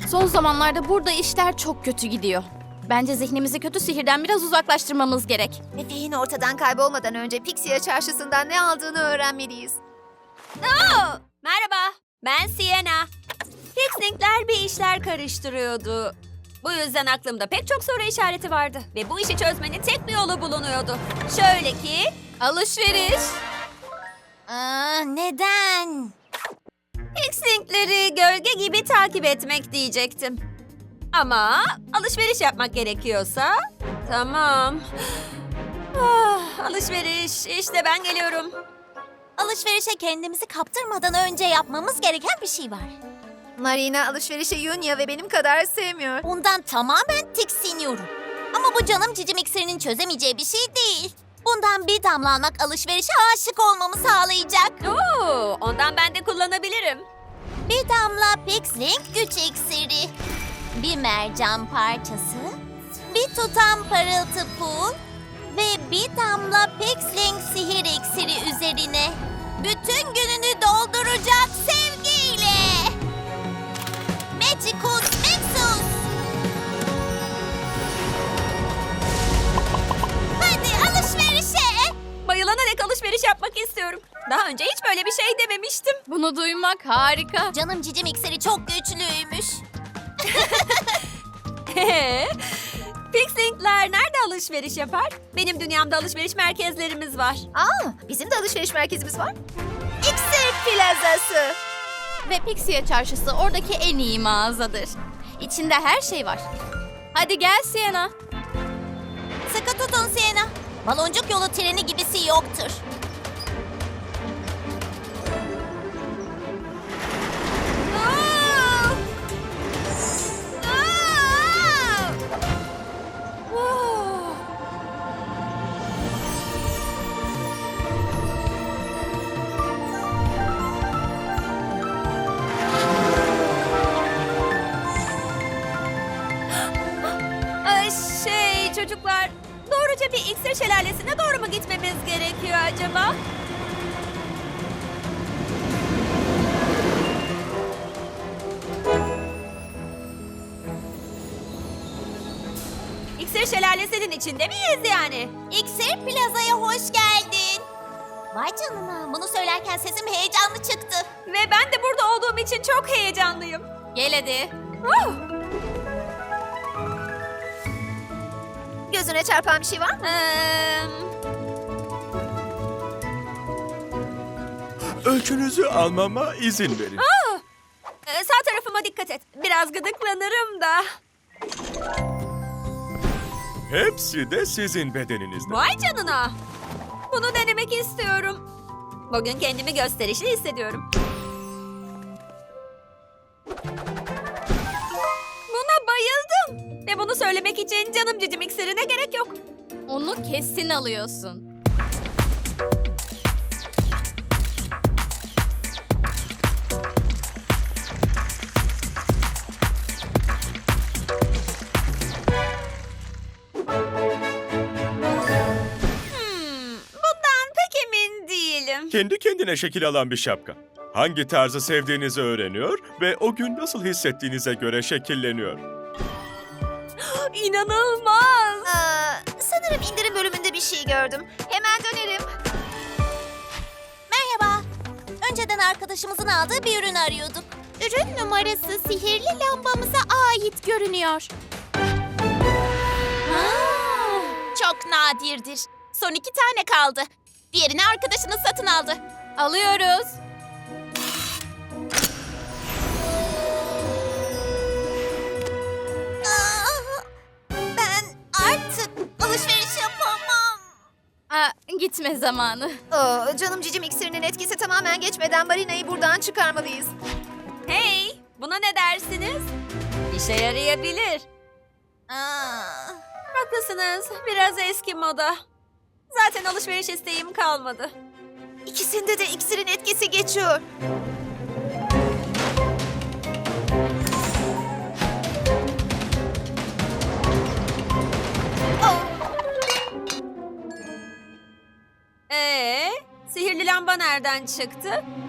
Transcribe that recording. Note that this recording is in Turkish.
Son zamanlarda burada işler çok kötü gidiyor. Bence zihnimizi kötü sihirden biraz uzaklaştırmamız gerek. Efe'nin ortadan kaybolmadan önce Pixie çarşısından ne aldığını öğrenmeliyiz. Merhaba, ben Sienna. Fixlinkler bir işler karıştırıyordu. Bu yüzden aklımda pek çok soru işareti vardı. Ve bu işi çözmenin tek bir yolu bulunuyordu. Şöyle ki... Alışveriş. Neden? Fixlinkleri gölge gibi takip etmek diyecektim. Ama alışveriş yapmak gerekiyorsa... Tamam. Alışveriş, işte ben geliyorum. Alışverişe kendimizi kaptırmadan önce yapmamız gereken bir şey var. Marina alışverişi Yunya ve benim kadar sevmiyor. Bundan tamamen tiksiniyorum. Ama bu canım cicim iksirinin çözemeyeceği bir şey değil. Bundan bir damla almak alışverişe aşık olmamı sağlayacak. Oo, ondan ben de kullanabilirim. Bir damla Pixlink güç iksiri. Bir mercan parçası. Bir tutam parıltı pul. Ve bir damla Pixlink sihir iksiri üzerine. Bütün gününü dolduracak sevgiyle. Magicus Mixus. Hadi alışverişe. Bayılana dek alışveriş yapmak istiyorum. Daha önce hiç böyle bir şey dememiştim. Bunu duymak harika. Canım cicim iksiri çok güçlüymüş. Fixlinkler nerede alışveriş yapar? Benim dünyamda alışveriş merkezlerimiz var. Bizim de alışveriş merkezimiz var. İksir Plazası. Ve Pixie çarşısı oradaki en iyi mağazadır. İçinde her şey var. Hadi gel Sienna. Sıkı tutun Sienna. Baloncuk yolu treni gibisi yoktur. Çocuklar, doğruca bir iksir şelalesine doğru mu gitmemiz gerekiyor acaba? İksir şelalesinin içinde miyiz yani? İksir Plaza'ya hoş geldin. Vay canına, bunu söylerken sesim heyecanlı çıktı. Ve ben de burada olduğum için çok heyecanlıyım. Gel hadi. Gözüne çarpan bir şey var mı? Ölçünüzü almama izin verin. Sağ tarafıma dikkat et. Biraz gıdıklanırım da. Hepsi de sizin bedeninizde. Vay canına. Bunu denemek istiyorum. Bugün kendimi gösterişli hissediyorum. Buna bayıldım. Ve bunu söylemek için canım cicim iksirine gerek yok. Onu kesin alıyorsun. Bundan pek emin değilim. Kendi kendine şekil alan bir şapka. Hangi tarzı sevdiğinizi öğreniyor ve o gün nasıl hissettiğinize göre şekilleniyor. İnanılmaz. Sanırım indirim bölümünde bir şey gördüm. Hemen dönerim. Merhaba. Önceden arkadaşımızın aldığı bir ürünü arıyorduk. Ürün numarası sihirli lambamıza ait görünüyor. Çok nadirdir. Son 2 tane kaldı. Diğerini arkadaşınız satın aldı. Alıyoruz. Ben artık alışveriş yapamam. Gitme zamanı. Canım cicim iksirinin etkisi tamamen geçmeden Marina'yı buradan çıkarmalıyız. Hey, buna ne dersiniz? İşe yarayabilir. Haklısınız. Biraz eski moda. Zaten alışveriş isteğim kalmadı. İkisinde de iksirin etkisi geçiyor. Sihirli lamba nereden çıktı?